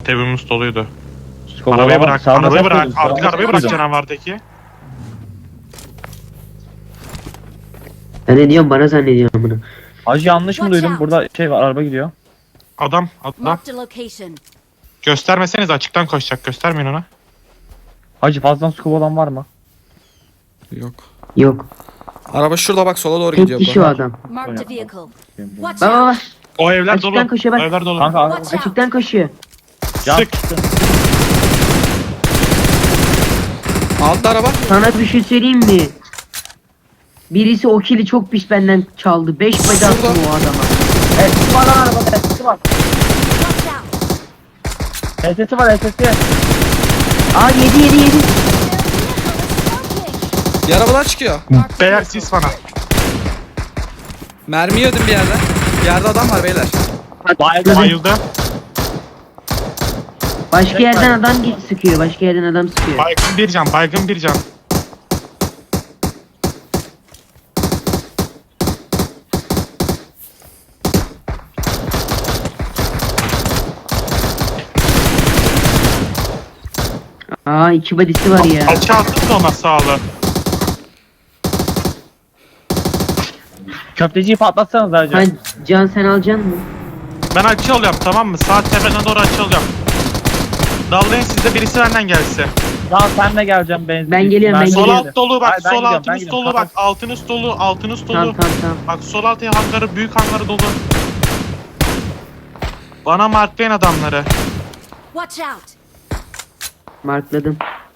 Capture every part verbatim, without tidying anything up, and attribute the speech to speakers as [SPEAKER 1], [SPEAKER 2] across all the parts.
[SPEAKER 1] Tebimiz doluydu.
[SPEAKER 2] Kovala
[SPEAKER 1] Arabayı
[SPEAKER 2] bak,
[SPEAKER 1] bırak,
[SPEAKER 2] sağında
[SPEAKER 1] arabayı
[SPEAKER 2] sen
[SPEAKER 1] bırak.
[SPEAKER 2] koydun,
[SPEAKER 1] Artık
[SPEAKER 2] sağında
[SPEAKER 1] arabayı
[SPEAKER 2] sen
[SPEAKER 1] bırak
[SPEAKER 2] koydun.
[SPEAKER 1] canavardaki.
[SPEAKER 3] Ben ne diyorum bana zannediyorum bunu.
[SPEAKER 2] Hacı yanlış mı
[SPEAKER 4] Watch
[SPEAKER 2] duydum?
[SPEAKER 4] out.
[SPEAKER 2] Burada şey var, araba gidiyor.
[SPEAKER 1] Adam, adam.
[SPEAKER 4] Marked a location.
[SPEAKER 1] Göstermeseniz açıktan koşacak. Göstermeyin ona.
[SPEAKER 2] Hacı fazladan scoop olan var mı?
[SPEAKER 5] Yok.
[SPEAKER 3] Yok.
[SPEAKER 5] Araba şurada bak, sola doğru
[SPEAKER 3] Tek
[SPEAKER 5] gidiyor
[SPEAKER 3] kişi
[SPEAKER 5] bu.
[SPEAKER 3] o adam.
[SPEAKER 4] Marked a vehicle. Watch
[SPEAKER 3] Baba
[SPEAKER 4] out.
[SPEAKER 3] bak.
[SPEAKER 1] O evler
[SPEAKER 3] Açıktan
[SPEAKER 1] dolu.
[SPEAKER 3] koşuyor bak.
[SPEAKER 1] O evler dolu.
[SPEAKER 2] Kanka araba
[SPEAKER 4] Watch out.
[SPEAKER 3] Açıktan koşuyor.
[SPEAKER 2] can
[SPEAKER 1] Sık.
[SPEAKER 2] sıktı.
[SPEAKER 5] Altta araba.
[SPEAKER 3] Sana bir şey söyleyeyim mi? Birisi o kili çok pis benden çaldı. Beş bacak attım
[SPEAKER 5] Şurada.
[SPEAKER 3] o adama.
[SPEAKER 2] Evet, sesi var lan arabada, sesi var.
[SPEAKER 4] Watch out.
[SPEAKER 2] Sesi var, sesi.
[SPEAKER 3] Aa yedi yedi yedi.
[SPEAKER 5] Bir arabadan çıkıyor.
[SPEAKER 1] Beyler siz bana.
[SPEAKER 5] Mermi yedim bir yerden. Bir yerde adam var beyler.
[SPEAKER 2] Bayıldı.
[SPEAKER 1] Bayıldı.
[SPEAKER 3] Başka yerden adam git sıkıyor. Başka yerden adam sıkıyor.
[SPEAKER 1] Baygın bir can. Baygın bir can.
[SPEAKER 3] Aa iki badisi var ya.
[SPEAKER 1] Alçı attın da ona sağlı.
[SPEAKER 2] Köfteciyi patlatsanız hacı.
[SPEAKER 3] Ha, Can sen alacaksın mı?
[SPEAKER 1] Ben açı alıyorum, tamam mı? Saat tepeden doğru açı alıyorum. Dallayın, sizde birisi benden gelse.
[SPEAKER 2] Lan sen de geleceğim benzin.
[SPEAKER 3] Ben geliyorum, ben
[SPEAKER 1] Sol
[SPEAKER 3] geliyorum.
[SPEAKER 1] alt dolu bak.
[SPEAKER 2] Hayır, ben
[SPEAKER 1] Sol
[SPEAKER 2] gidiyorum, ben
[SPEAKER 1] altınız
[SPEAKER 2] gidiyorum.
[SPEAKER 1] dolu bak.
[SPEAKER 2] Kapat.
[SPEAKER 1] Altınız dolu. Altınız dolu.
[SPEAKER 3] Tamam tamam tamam.
[SPEAKER 1] Bak sol altı hangarı, büyük hangarı dolu. Bana marklayın adamları.
[SPEAKER 4] Watch out.
[SPEAKER 3] Markladım.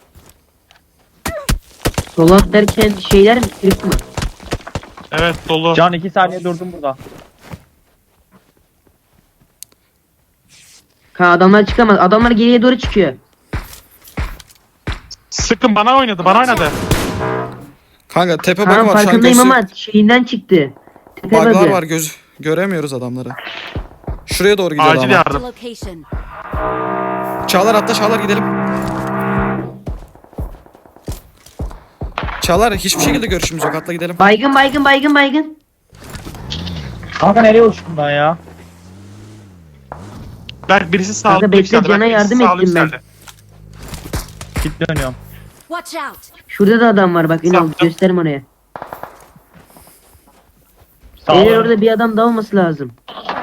[SPEAKER 3] Solat derken şeyler mi? Kırık mı?
[SPEAKER 1] Evet dolu.
[SPEAKER 2] Can iki saniye durdum burada.
[SPEAKER 3] Ha adamlar çıkamaz. Adamlar geriye doğru çıkıyor.
[SPEAKER 1] Sıkın, bana oynadı, bana oynadı.
[SPEAKER 5] Kanka tepe
[SPEAKER 3] Tamam
[SPEAKER 5] bug'ı var şu an,
[SPEAKER 3] farkındayım
[SPEAKER 5] gözü.
[SPEAKER 3] ama şeyinden çıktı. Tepe
[SPEAKER 5] Bug'lar
[SPEAKER 3] bug'ı.
[SPEAKER 5] var, göz göremiyoruz adamları. Şuraya doğru gidiyor
[SPEAKER 1] Acil
[SPEAKER 5] adam.
[SPEAKER 4] Marked a
[SPEAKER 1] yardım.
[SPEAKER 4] location.
[SPEAKER 5] Çağlar atla, Çağlar gidelim. Çağlar hiçbir şekilde görüşümüz yok, atla gidelim.
[SPEAKER 3] Baygın baygın baygın baygın.
[SPEAKER 2] Kanka nereye uçtun ben ya?
[SPEAKER 1] Berk birisi sağlıklı
[SPEAKER 3] Kanka bekle,
[SPEAKER 1] yükseldi. Berk
[SPEAKER 3] Can'a
[SPEAKER 1] birisi
[SPEAKER 3] yardım
[SPEAKER 1] sağlıklı
[SPEAKER 3] ettim ben.
[SPEAKER 1] yükseldi.
[SPEAKER 2] Git dönüyorum.
[SPEAKER 4] Watch out.
[SPEAKER 3] Şurada da adam var bak Ünal
[SPEAKER 1] Saptım.
[SPEAKER 3] gösterim oraya.
[SPEAKER 2] Sağ
[SPEAKER 3] Eğer
[SPEAKER 2] ol.
[SPEAKER 3] orada bir adam daha olması lazım.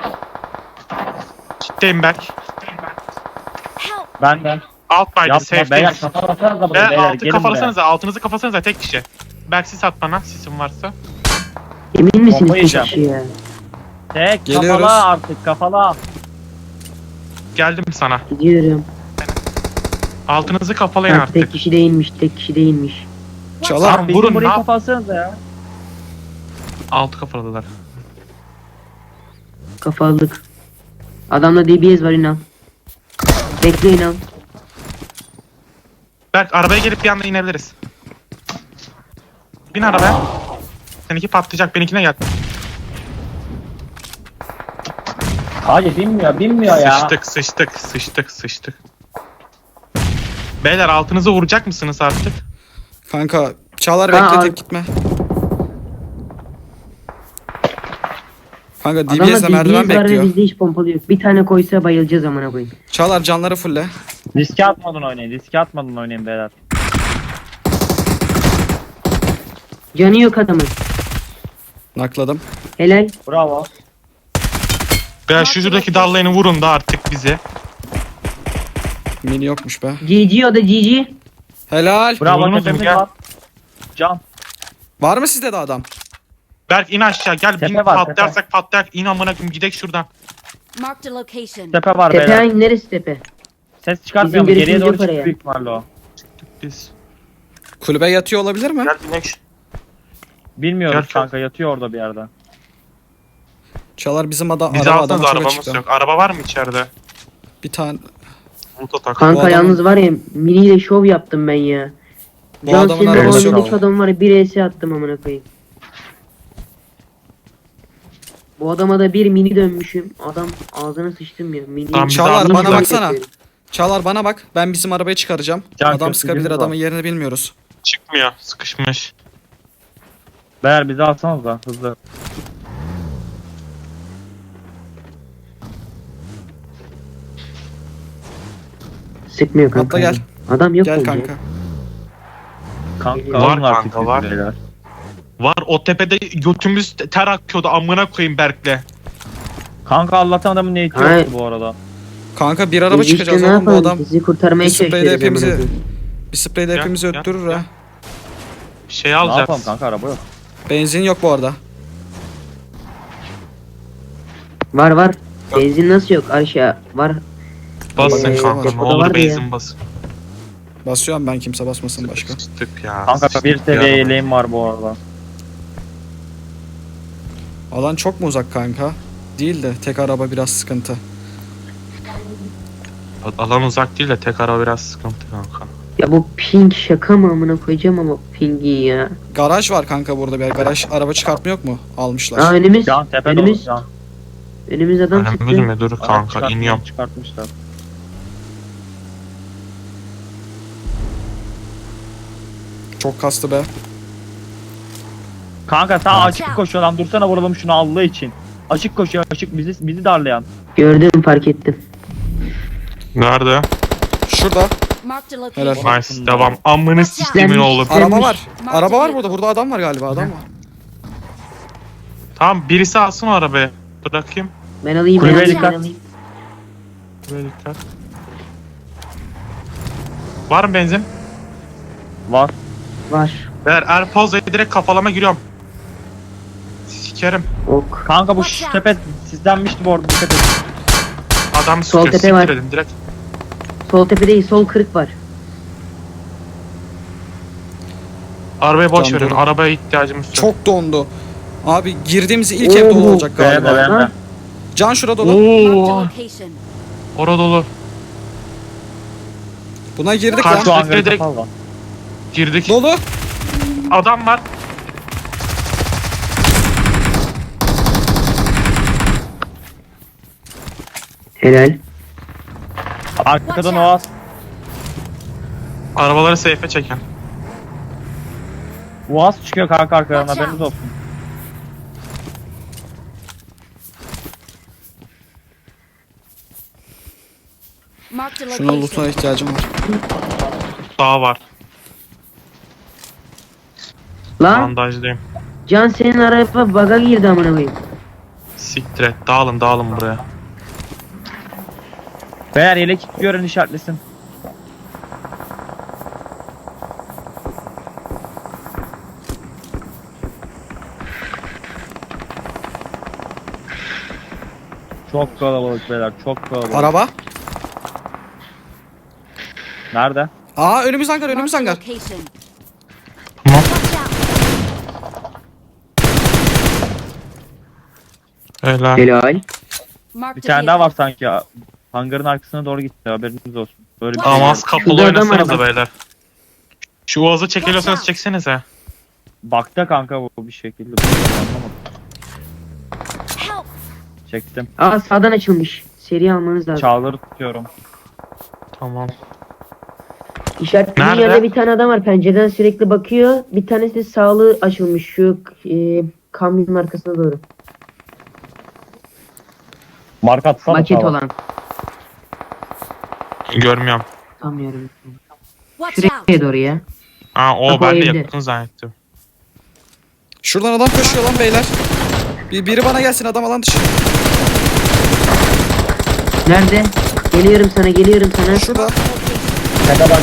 [SPEAKER 1] Kitleyim Berk.
[SPEAKER 4] Help.
[SPEAKER 2] Benden.
[SPEAKER 1] Alt baydı,
[SPEAKER 2] Yapma
[SPEAKER 1] safe
[SPEAKER 2] beyler,
[SPEAKER 1] değil.
[SPEAKER 2] kafa basanız da
[SPEAKER 1] Ve
[SPEAKER 2] beyler,
[SPEAKER 1] altı
[SPEAKER 2] gelin buraya.
[SPEAKER 1] kafalasanıza, altınızı kafasanıza tek kişi. Berk sis at bana, sisin varsa.
[SPEAKER 3] Emin misiniz
[SPEAKER 2] Bomba
[SPEAKER 3] tek
[SPEAKER 2] yiyeceğim.
[SPEAKER 3] kişi ya?
[SPEAKER 2] Tek
[SPEAKER 5] Geliyoruz.
[SPEAKER 2] kafala artık, kafala.
[SPEAKER 1] Geldim sana.
[SPEAKER 3] Gidiyorum.
[SPEAKER 1] Altınızı kafalayın
[SPEAKER 3] Ha,
[SPEAKER 1] artık.
[SPEAKER 3] tek kişi değilmiş tek kişi değilmiş.
[SPEAKER 5] Çağlar
[SPEAKER 1] Tamam,
[SPEAKER 2] Bizim
[SPEAKER 1] vurun,
[SPEAKER 2] burayı
[SPEAKER 1] ne yap-
[SPEAKER 2] kapatsanıza ya.
[SPEAKER 1] Altı kafaladılar.
[SPEAKER 3] Kafalık. Adamda D B S var Ünal. Bekle Ünal.
[SPEAKER 1] Berk arabaya gelip bir anda inebiliriz. Bin arabaya. Seninki patlayacak, benimkine gel.
[SPEAKER 2] Hayır binmiyor, binmiyor ya.
[SPEAKER 1] Sıçtık, sıçtık, sıçtık, sıçtık. Beyler altınızı vuracak mısınız artık?
[SPEAKER 5] kanka, Çağlar
[SPEAKER 3] Ha,
[SPEAKER 5] bekle,
[SPEAKER 3] al.
[SPEAKER 5] tek gitme. Kanka
[SPEAKER 3] Adamda
[SPEAKER 5] D B S'de
[SPEAKER 3] D B
[SPEAKER 5] merdiven
[SPEAKER 3] S var ve
[SPEAKER 5] bekliyor.
[SPEAKER 3] bizde hiç pompalı yok. Bir tane koysa bayılacağız amına koyayım.
[SPEAKER 5] Çağlar canları fulle.
[SPEAKER 2] Riske atmadan oynayın, riske atmadan oynayın beyler.
[SPEAKER 3] Canı yok adamın.
[SPEAKER 5] Nakladım.
[SPEAKER 3] Helal.
[SPEAKER 2] Bravo.
[SPEAKER 1] Beyler şu şuradaki dallayını vurun da artık bize.
[SPEAKER 5] Mini yokmuş be.
[SPEAKER 3] G G o da G G.
[SPEAKER 5] Helal.
[SPEAKER 2] Bravo,
[SPEAKER 1] Vurdunuz mu?
[SPEAKER 2] tepemiz
[SPEAKER 1] Gel.
[SPEAKER 2] var. Can.
[SPEAKER 5] Var mı sizde de adam?
[SPEAKER 1] Berk in aşağı gel, bin
[SPEAKER 2] Tepe var,
[SPEAKER 1] patlarsak patlayak, in amına koyayım, gidek şuradan.
[SPEAKER 4] Marked a location.
[SPEAKER 2] Tepe var
[SPEAKER 3] Tepe
[SPEAKER 2] beyler.
[SPEAKER 3] hangi neresi tepe?
[SPEAKER 2] Ses çıkartmıyor
[SPEAKER 3] Bizim
[SPEAKER 2] mu? Geriye
[SPEAKER 3] görüşümüz
[SPEAKER 2] doğru
[SPEAKER 3] yok
[SPEAKER 2] çıktı
[SPEAKER 3] oraya.
[SPEAKER 2] büyük ihtimalle o.
[SPEAKER 1] Biz.
[SPEAKER 5] Kulübe yatıyor olabilir mi?
[SPEAKER 1] Gel binek şu-
[SPEAKER 2] Bilmiyoruz
[SPEAKER 1] Gel,
[SPEAKER 2] kanka, yatıyor orada bir yerde.
[SPEAKER 5] Çağlar bizim ada
[SPEAKER 1] Bizi
[SPEAKER 5] araba
[SPEAKER 1] alsanız
[SPEAKER 5] adamı çok
[SPEAKER 1] arabamız
[SPEAKER 5] açıkta.
[SPEAKER 1] yok. Araba var mı içeride?
[SPEAKER 5] Bir tane.
[SPEAKER 1] Bulut atak.
[SPEAKER 5] Bu
[SPEAKER 3] Kanka
[SPEAKER 5] adamın-
[SPEAKER 3] yalnız var ya miniyle şov yaptım ben ya.
[SPEAKER 5] Bu
[SPEAKER 3] Can
[SPEAKER 5] adamın
[SPEAKER 3] senin
[SPEAKER 5] arabası
[SPEAKER 3] o
[SPEAKER 5] yok.
[SPEAKER 3] önündeki adam var ya bir S attım amına koyayım. Bu adama da bir mini dönmüşüm. Adam ağzına sıçtım ya. Mini.
[SPEAKER 1] Tamam, bizi
[SPEAKER 5] Çağlar
[SPEAKER 1] aldınız
[SPEAKER 5] bana
[SPEAKER 1] mı?
[SPEAKER 5] baksana. Çağlar bana bak. Ben bizim arabayı çıkaracağım.
[SPEAKER 2] Can
[SPEAKER 5] Adam
[SPEAKER 2] kötü
[SPEAKER 5] sıkabilir,
[SPEAKER 2] gibi
[SPEAKER 5] adamın
[SPEAKER 2] var.
[SPEAKER 5] yerini bilmiyoruz.
[SPEAKER 1] Çıkmıyor, sıkışmış.
[SPEAKER 2] Beyler bizi alsanız da hızlı.
[SPEAKER 3] Sıkmıyor kanka.
[SPEAKER 5] Atla gel.
[SPEAKER 3] Adam yok
[SPEAKER 5] Gel
[SPEAKER 3] oldu.
[SPEAKER 5] kanka.
[SPEAKER 2] Kanka
[SPEAKER 1] Var
[SPEAKER 2] alın artık
[SPEAKER 1] kanka, var.
[SPEAKER 2] bizi beyler.
[SPEAKER 1] Var o tepede götümüz ter akıyordu amına koyayım Berk'le.
[SPEAKER 2] Kanka Allah'tan adamın niyeti
[SPEAKER 3] Hayır.
[SPEAKER 2] yoktu bu arada.
[SPEAKER 5] Kanka bir araba
[SPEAKER 3] Biz işte
[SPEAKER 5] çıkacağız
[SPEAKER 3] ne
[SPEAKER 5] oğlum bu
[SPEAKER 3] yapalım?
[SPEAKER 5] adam.
[SPEAKER 3] Sizi kurtarmaya
[SPEAKER 5] Bir spreyle
[SPEAKER 3] çalışıyoruz.
[SPEAKER 5] hepimizi
[SPEAKER 3] amına koyayım.
[SPEAKER 5] bir spreyle
[SPEAKER 1] Gel,
[SPEAKER 5] hepimizi
[SPEAKER 1] gel,
[SPEAKER 5] öttürür
[SPEAKER 1] gel.
[SPEAKER 5] ha.
[SPEAKER 1] Bir şey
[SPEAKER 2] Ne yapalım
[SPEAKER 1] alacağız.
[SPEAKER 2] kanka, araba yok.
[SPEAKER 5] Benzin yok bu arada.
[SPEAKER 3] Var var. Benzin nasıl yok? Aşağı var.
[SPEAKER 1] Basın
[SPEAKER 5] Ee,
[SPEAKER 1] kanka ne
[SPEAKER 3] depoda
[SPEAKER 1] olur
[SPEAKER 3] vardı ya.
[SPEAKER 1] benzin basın.
[SPEAKER 5] Basıyorum ben, kimse basmasın başka.
[SPEAKER 1] Sıktık ya.
[SPEAKER 2] Kanka
[SPEAKER 1] sıçtık
[SPEAKER 2] bir seviye
[SPEAKER 1] ya.
[SPEAKER 2] yeleğim var bu arada.
[SPEAKER 5] Alan çok mu uzak kanka? Değil de tek araba biraz sıkıntı.
[SPEAKER 1] Alan uzak değil de tek ara biraz sıkıntı kanka.
[SPEAKER 3] Ya bu ping şaka mı amına koyacağım ama pingi ya.
[SPEAKER 5] Garaj var kanka burada bir yer. Garaj araba çıkartma yok mu? Almışlar.
[SPEAKER 3] Aa önümüz.
[SPEAKER 2] Can tepe dolu
[SPEAKER 3] önümüz.
[SPEAKER 2] can.
[SPEAKER 3] Önümüz adam
[SPEAKER 1] Önemli
[SPEAKER 3] çıktı.
[SPEAKER 1] mi? Dur
[SPEAKER 2] Araç
[SPEAKER 1] kanka
[SPEAKER 2] çıkartmış-
[SPEAKER 1] iniyorum.
[SPEAKER 2] Çıkartmışlar.
[SPEAKER 5] Çok kastı be.
[SPEAKER 2] Kanka sağ
[SPEAKER 1] Ha.
[SPEAKER 2] açık koşuyor lan, dursana vuralım şunu Allah için. Açık koşuyor, açık bizi bizi darlayan.
[SPEAKER 3] Gördüm, fark ettim.
[SPEAKER 1] Nerede?
[SPEAKER 5] Şurada.
[SPEAKER 4] Marked a
[SPEAKER 5] Helal.
[SPEAKER 4] location.
[SPEAKER 1] Nice devam. Amını sistemin
[SPEAKER 3] Gelmiş.
[SPEAKER 1] oğlu.
[SPEAKER 3] Gelmiş.
[SPEAKER 5] Araba var.
[SPEAKER 4] Mark
[SPEAKER 5] Araba var
[SPEAKER 4] the
[SPEAKER 5] burada. Burada adam var galiba. Adam var.
[SPEAKER 1] Tamam birisi alsın o arabayı. Bırakayım.
[SPEAKER 3] Ben alayım.
[SPEAKER 2] Kulübeye
[SPEAKER 3] ben alayım,
[SPEAKER 2] dikkat.
[SPEAKER 3] ben alayım.
[SPEAKER 1] Böyle dikkat. Var mı benzin?
[SPEAKER 2] Var.
[SPEAKER 3] Var.
[SPEAKER 1] Ver Erpoz'la direkt kafalama giriyorum. Sikerim.
[SPEAKER 3] Ok.
[SPEAKER 2] Kanka bu
[SPEAKER 4] Watch out.
[SPEAKER 2] tepe sizdenmişti bu arada, dikkat et.
[SPEAKER 1] Adam
[SPEAKER 3] Sol
[SPEAKER 1] sıkıyor.
[SPEAKER 3] tepe var.
[SPEAKER 1] Siktir edin direkt.
[SPEAKER 3] Sol tepe değil, sol kırık var.
[SPEAKER 1] Arabayı boş
[SPEAKER 5] Can
[SPEAKER 1] verin.
[SPEAKER 5] dur.
[SPEAKER 1] Arabaya ihtiyacımız yok.
[SPEAKER 5] Çok dondu. Abi girdiğimiz ilk ev dolu
[SPEAKER 3] Oo.
[SPEAKER 5] olacak
[SPEAKER 2] Ben de
[SPEAKER 5] galiba.
[SPEAKER 2] ben de.
[SPEAKER 3] Ha?
[SPEAKER 5] Can şura dolu.
[SPEAKER 4] Marked a
[SPEAKER 1] Oo.
[SPEAKER 4] location.
[SPEAKER 1] Ora dolu.
[SPEAKER 5] Buna girdik
[SPEAKER 1] Karşı-
[SPEAKER 5] lan.
[SPEAKER 2] Şu hangarı
[SPEAKER 1] direkt-
[SPEAKER 2] kapalı lan.
[SPEAKER 1] Girdik.
[SPEAKER 5] Dolu.
[SPEAKER 1] Adam var.
[SPEAKER 3] Helal.
[SPEAKER 2] Arkadan oğaz.
[SPEAKER 1] Arabaları safe'e çeken.
[SPEAKER 2] Oğaz çıkıyor kanka arkadan,
[SPEAKER 4] Watch
[SPEAKER 2] haberiniz
[SPEAKER 4] out.
[SPEAKER 2] olsun.
[SPEAKER 4] Marked a
[SPEAKER 5] Şuna lootuna
[SPEAKER 4] location.
[SPEAKER 5] ihtiyacım var.
[SPEAKER 1] Daha var.
[SPEAKER 3] Lan
[SPEAKER 1] Bandajdayım.
[SPEAKER 3] Can, senin araba baga girdi amına koyayım.
[SPEAKER 1] Siktir et. Dağılın dağılın buraya.
[SPEAKER 2] Beyler yelek gören işaretlesin. Çok kalabalık beyler, çok kalabalık.
[SPEAKER 5] Araba.
[SPEAKER 2] Nerede?
[SPEAKER 5] Aa önümüz hangar, önümüz
[SPEAKER 4] Marked a
[SPEAKER 5] hangar.
[SPEAKER 4] location.
[SPEAKER 1] Tamam.
[SPEAKER 4] Watch out.
[SPEAKER 1] Helal.
[SPEAKER 3] Helal.
[SPEAKER 4] Marked
[SPEAKER 2] Bir
[SPEAKER 4] a
[SPEAKER 2] tane daha var
[SPEAKER 4] vehicle.
[SPEAKER 2] sanki ya. Hangarın arkasına doğru gitti, haberiniz olsun. Böyle bir
[SPEAKER 1] Tamam
[SPEAKER 2] şey.
[SPEAKER 1] az kapalı
[SPEAKER 3] Şurada adam var
[SPEAKER 1] oynasanıza
[SPEAKER 3] bak.
[SPEAKER 1] beyler. Şu Uaz'ı çekiliyorsanız
[SPEAKER 4] Watch out.
[SPEAKER 1] çeksenize.
[SPEAKER 2] Bakta kanka bu bir şekilde. Anlamadım.
[SPEAKER 4] Help.
[SPEAKER 2] Çektim.
[SPEAKER 3] Aa sağdan açılmış. Seri almanız lazım.
[SPEAKER 2] Çağları tutuyorum.
[SPEAKER 1] Tamam.
[SPEAKER 3] İşaretlediğin
[SPEAKER 1] Nerede?
[SPEAKER 3] yerde bir tane adam var, pencereden sürekli bakıyor. Bir tanesi de sağlığı açılmış şu e, kamyonun arkasına doğru.
[SPEAKER 2] Marka atsana.
[SPEAKER 3] Maket
[SPEAKER 2] sağa.
[SPEAKER 3] olan.
[SPEAKER 1] Görmüyorum.
[SPEAKER 3] Sanmıyorum.
[SPEAKER 4] Watch
[SPEAKER 3] Şuraya
[SPEAKER 4] out.
[SPEAKER 3] doğru ya.
[SPEAKER 1] Ha o
[SPEAKER 3] Bak o
[SPEAKER 1] ben de
[SPEAKER 3] evde.
[SPEAKER 1] yakın zannettim.
[SPEAKER 5] Şuradan adam koşuyor lan beyler. Bir, biri bana gelsin, adam alan dışı.
[SPEAKER 3] Nerede? Geliyorum sana, geliyorum sana.
[SPEAKER 5] Şurada.
[SPEAKER 2] Tepe bak.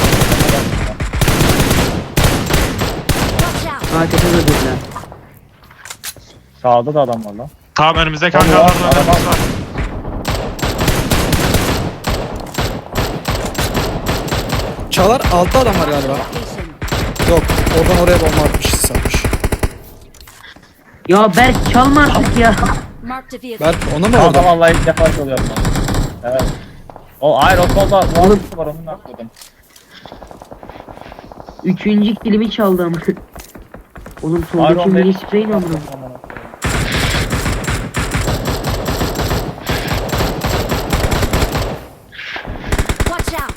[SPEAKER 4] Watch out.
[SPEAKER 3] Aa tepe durdular.
[SPEAKER 2] Sağda da adam var lan.
[SPEAKER 1] Tamam önümüzdeki
[SPEAKER 2] Tamam,
[SPEAKER 1] hangarlarda
[SPEAKER 2] araba.
[SPEAKER 1] önümüz var.
[SPEAKER 5] Çağlar altta adam var galiba.
[SPEAKER 4] Location.
[SPEAKER 5] Yok, oradan oraya bomba atmış, satmış.
[SPEAKER 3] Ya Berk çalma artık ya.
[SPEAKER 4] Marked a vehicle.
[SPEAKER 5] Berk onu mu
[SPEAKER 2] Kanka
[SPEAKER 5] orada?
[SPEAKER 2] vallahi ilk defa çalıyorum ben. Evet. O hayır o solda oğlum var, onu atladım.
[SPEAKER 3] Üçüncü kilimi çaldı ama. Oğlum
[SPEAKER 2] Hayır
[SPEAKER 3] soldaki
[SPEAKER 2] on
[SPEAKER 3] mini
[SPEAKER 2] beş.
[SPEAKER 3] sprey ne amına?
[SPEAKER 4] Watch out.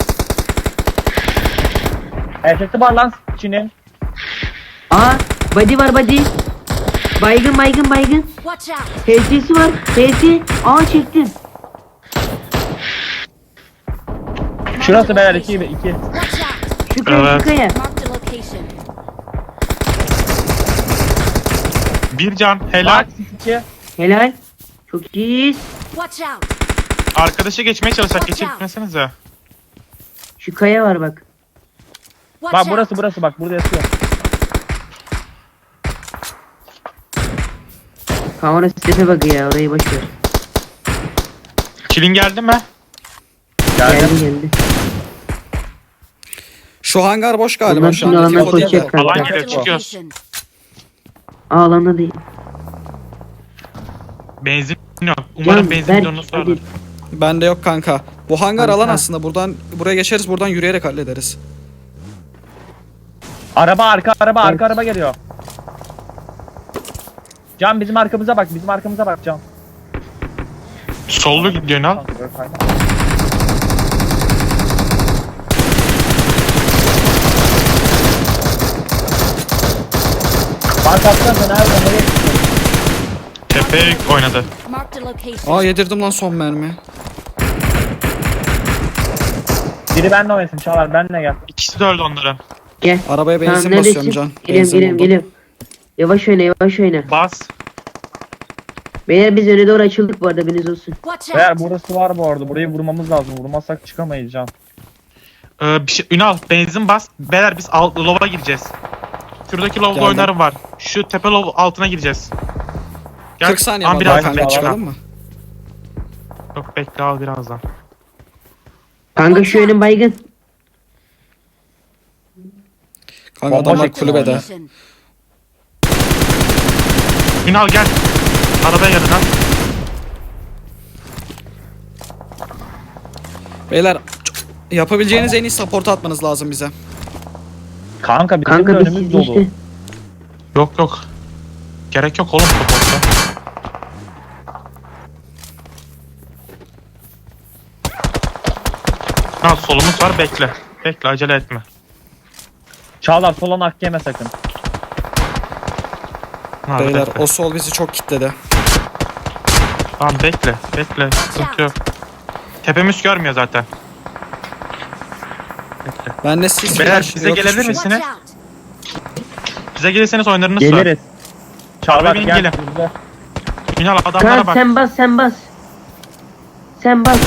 [SPEAKER 2] Erkekli var lan Çin'in.
[SPEAKER 3] Aa body var body. Baygın baygın baygın.
[SPEAKER 4] Watch out.
[SPEAKER 3] H S'si var. H S. Aa çektim.
[SPEAKER 2] Şurası beyler iki iki.
[SPEAKER 4] Watch out!
[SPEAKER 3] Şu kaya
[SPEAKER 1] Evet.
[SPEAKER 3] şu kaya.
[SPEAKER 4] Marked a location.
[SPEAKER 1] Bir can. Helal.
[SPEAKER 2] Bak iki.
[SPEAKER 3] Helal. Çok iyiyiz.
[SPEAKER 4] Watch out!
[SPEAKER 1] Arkadaşı geçmeye çalışacak.
[SPEAKER 4] Watch out.
[SPEAKER 1] Geçirtmesenize.
[SPEAKER 3] Şu kaya var bak.
[SPEAKER 4] Watch
[SPEAKER 2] Bak
[SPEAKER 4] out!
[SPEAKER 2] burası burası bak burada yatıyor.
[SPEAKER 3] Kamera sitese bak ya, orayı boş ver.
[SPEAKER 1] Kilin geldi mi?
[SPEAKER 2] Geldim.
[SPEAKER 3] Geldi geldi.
[SPEAKER 5] Şu hangar boş galiba
[SPEAKER 3] Bunlar
[SPEAKER 5] şu
[SPEAKER 3] şimdi
[SPEAKER 5] an.
[SPEAKER 3] alandan
[SPEAKER 5] Tifo değil de.
[SPEAKER 3] koşacak kanka.
[SPEAKER 1] Alan
[SPEAKER 4] Marked a
[SPEAKER 1] geliyor, çıkıyoruz.
[SPEAKER 4] location.
[SPEAKER 3] Aa, alanda değil.
[SPEAKER 1] Benzin yok. Umarım
[SPEAKER 3] Can,
[SPEAKER 1] benzin
[SPEAKER 3] Berk,
[SPEAKER 1] bidonunuz vardır.
[SPEAKER 3] hadi.
[SPEAKER 5] Bende yok kanka. Bu hangar
[SPEAKER 3] Kanka.
[SPEAKER 5] alan aslında. Buradan buraya geçeriz. Buradan yürüyerek hallederiz.
[SPEAKER 2] Araba arka araba arka araba geliyor. Can bizim arkamıza bak bizim arkamıza bak Can.
[SPEAKER 1] Sollu gidiyor Ünal.
[SPEAKER 2] Fark atsana sen nerede nereye gidiyorsun?
[SPEAKER 1] Tepeye oynadı.
[SPEAKER 4] Marked a location.
[SPEAKER 5] Aa yedirdim lan son mermi.
[SPEAKER 2] Biri benimle oynasın Çağlar benimle gel.
[SPEAKER 1] İkisi de öldü onların.
[SPEAKER 3] Gel.
[SPEAKER 5] Arabaya
[SPEAKER 3] Tamam,
[SPEAKER 5] benzin
[SPEAKER 3] neredesin?
[SPEAKER 5] basıyorum can.
[SPEAKER 3] Geliyorum
[SPEAKER 5] Benzin
[SPEAKER 3] geliyorum
[SPEAKER 5] buldum.
[SPEAKER 3] geliyorum. Yavaş oyna yavaş oyna.
[SPEAKER 1] Bas.
[SPEAKER 3] Beyler biz öne doğru açıldık bu arada, haberiniz olsun.
[SPEAKER 4] Watch
[SPEAKER 2] Beyler
[SPEAKER 4] out!
[SPEAKER 2] burası var bu arada burayı vurmamız lazım vurmazsak çıkamayız Can.
[SPEAKER 1] Ee, bir şey, Ünal benzin bas. Beyler biz alt, lova gireceğiz. Şuradaki lovda
[SPEAKER 5] Geldim.
[SPEAKER 1] oynarım var. Şu tepe lov altına gireceğiz. Gel.
[SPEAKER 5] kırk saniye
[SPEAKER 1] An
[SPEAKER 5] var
[SPEAKER 1] biraz
[SPEAKER 5] daha
[SPEAKER 2] Aynen,
[SPEAKER 5] kanka
[SPEAKER 1] bekle.
[SPEAKER 5] çıkalım mı?
[SPEAKER 1] Yok bekle al birazdan.
[SPEAKER 3] Kanka şu önün baygın.
[SPEAKER 5] Kanka
[SPEAKER 2] Bomba
[SPEAKER 5] adamlar
[SPEAKER 2] çekti
[SPEAKER 5] kulübede.
[SPEAKER 4] Location.
[SPEAKER 1] Ünal gel. Arabaya yanına.
[SPEAKER 5] Beyler yapabileceğiniz en iyi support atmanız lazım bize.
[SPEAKER 2] Kanka bizim
[SPEAKER 3] Kanka
[SPEAKER 2] de
[SPEAKER 3] biz
[SPEAKER 2] önümüz
[SPEAKER 3] sizi
[SPEAKER 2] dolu.
[SPEAKER 3] işte.
[SPEAKER 1] Yok yok. Gerek yok oğlum support'a. Ha solumuz var bekle. Bekle acele etme.
[SPEAKER 2] Çağlar solan hak yeme sakın.
[SPEAKER 1] Ha,
[SPEAKER 5] Beyler
[SPEAKER 1] bekle.
[SPEAKER 5] o sol bizi çok kitledi.
[SPEAKER 1] Tamam bekle. Bekle. Sıkıntı yok. Tepemiz görmüyor zaten. Bekle.
[SPEAKER 5] Ben de sis
[SPEAKER 1] Beyler,
[SPEAKER 5] flash
[SPEAKER 1] bize
[SPEAKER 5] yok
[SPEAKER 1] gelebilir
[SPEAKER 5] hiçbir şey.
[SPEAKER 1] misiniz?
[SPEAKER 4] Watch out!
[SPEAKER 1] Bize gelirseniz oynarınız var.
[SPEAKER 2] Geliriz. Çağlar
[SPEAKER 1] Arabaya
[SPEAKER 2] gel.
[SPEAKER 1] gelin.
[SPEAKER 2] Bize.
[SPEAKER 1] Ünal adamlara
[SPEAKER 3] Kanka
[SPEAKER 1] bak.
[SPEAKER 3] sen bas sen bas. Sen bas.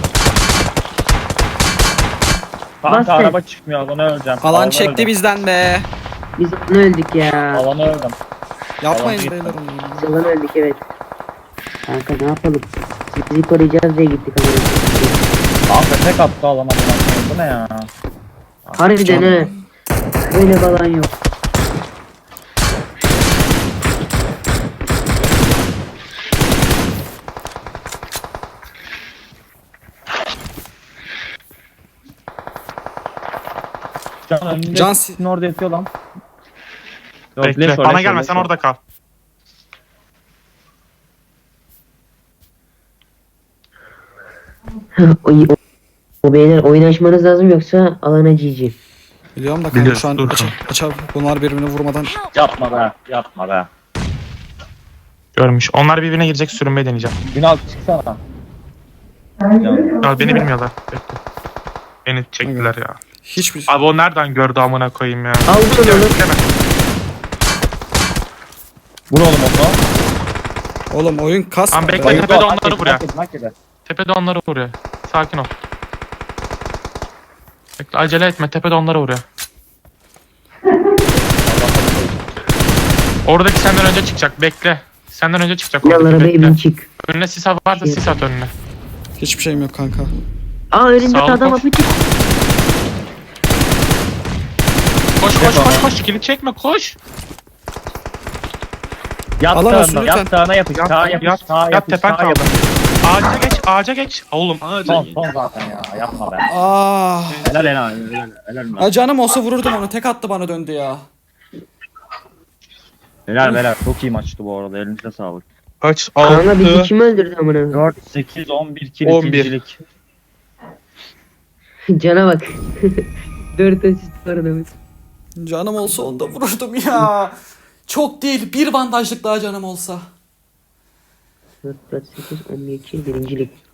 [SPEAKER 2] Kanka
[SPEAKER 3] Bas sen.
[SPEAKER 2] araba çıkmıyor alana öleceğim.
[SPEAKER 5] Alan
[SPEAKER 2] Alana
[SPEAKER 5] çekti
[SPEAKER 2] öleceğim.
[SPEAKER 5] bizden be.
[SPEAKER 3] Biz onu öldük ya.
[SPEAKER 2] Alana öldüm.
[SPEAKER 5] Yapmayın
[SPEAKER 2] Alan
[SPEAKER 5] beyler
[SPEAKER 2] gitti.
[SPEAKER 5] onu.
[SPEAKER 3] Biz onu öldük evet. Kanka ne yapalım? Sizi koruyacağız diye gittik ama.
[SPEAKER 2] Kanka tek attı alana. Bu ne ya?
[SPEAKER 3] Harbiden he. Öyle falan yok.
[SPEAKER 2] Can önünde
[SPEAKER 5] Can-
[SPEAKER 2] sizin orada yatıyor lan. Yok,
[SPEAKER 1] Bekle.
[SPEAKER 2] Leşo,
[SPEAKER 1] Bana
[SPEAKER 2] Leşo,
[SPEAKER 1] gelme
[SPEAKER 2] Leşo.
[SPEAKER 1] sen orada kal.
[SPEAKER 3] o, o, o beyler oyun açmanız lazım yoksa alana G G.
[SPEAKER 5] Biliyorum da kanka
[SPEAKER 1] Biliyoruz,
[SPEAKER 5] şu an
[SPEAKER 1] dur
[SPEAKER 5] aç, açar bunlar birbirini vurmadan.
[SPEAKER 4] Help!
[SPEAKER 2] Yapma be. Yapma be.
[SPEAKER 1] Görmüş. Onlar birbirine girecek sürünmeyi deneyeceğim.
[SPEAKER 2] Ünal çıksana. Can.
[SPEAKER 1] Ünal beni bilmiyorlar. Bekle. Beni çektiler ya.
[SPEAKER 5] Hiçbir
[SPEAKER 1] Abi o nereden gördü amına koyayım ya.
[SPEAKER 3] Aldın onu.
[SPEAKER 1] Bekleme.
[SPEAKER 2] Vur oğlum onu.
[SPEAKER 5] Oğlum oyun kas.
[SPEAKER 1] Lan bekle.
[SPEAKER 2] Bayıldı,
[SPEAKER 1] tepede
[SPEAKER 2] hak
[SPEAKER 1] onları
[SPEAKER 2] yedi,
[SPEAKER 1] vuruyor.
[SPEAKER 2] hak yedi, hak yedi.
[SPEAKER 1] Tepede onları vuruyor. Sakin ol. Bekle acele etme. Tepede onları vuruyor. Oradaki senden önce çıkacak. Bekle. Senden önce çıkacak.
[SPEAKER 3] Yallara
[SPEAKER 1] Oradaki
[SPEAKER 3] arabaya bin
[SPEAKER 1] bekle.
[SPEAKER 3] çık.
[SPEAKER 1] Önüne sis varsa sis at önüne.
[SPEAKER 5] Hiçbir şeyim yok kanka.
[SPEAKER 3] Aa önünde
[SPEAKER 1] Sağ ol,
[SPEAKER 3] adam
[SPEAKER 1] koş.
[SPEAKER 3] apaçık.
[SPEAKER 1] Koş koş koş koş. Kilit çekme koş.
[SPEAKER 2] Yat
[SPEAKER 5] Alan olsun
[SPEAKER 2] sağına,
[SPEAKER 5] lütfen.
[SPEAKER 2] yat sağına yapış,
[SPEAKER 1] Yat,
[SPEAKER 2] sağa yapış,
[SPEAKER 1] yat,
[SPEAKER 2] sağa
[SPEAKER 1] yat,
[SPEAKER 2] yapış,
[SPEAKER 1] tepen
[SPEAKER 2] sağa
[SPEAKER 1] kaldı.
[SPEAKER 2] yapış.
[SPEAKER 1] Ağaca geç, ağaca geç. Oğlum ağaca.
[SPEAKER 2] Son, son zaten ya, yapma be.
[SPEAKER 5] Ah.
[SPEAKER 2] Helal helal, helal, helal.
[SPEAKER 5] Ha canım olsa vururdum onu. Tek attı bana döndü ya.
[SPEAKER 2] Helal helal, çok iyi maçtı bu arada, elinize sağlık.
[SPEAKER 1] Kaç?
[SPEAKER 3] Kanka bizi
[SPEAKER 1] altı.
[SPEAKER 3] kim öldürdü amına?
[SPEAKER 2] dört, sekiz, on bir kill
[SPEAKER 1] on bir.
[SPEAKER 2] ikincilik.
[SPEAKER 3] Cana bak. Dört asist var adamın.
[SPEAKER 5] Canım olsa onu da vururdum ya. Çok değil. Bir bandajlık daha canım olsa.
[SPEAKER 3] dört, dört, sekiz, on bir kill birincilik.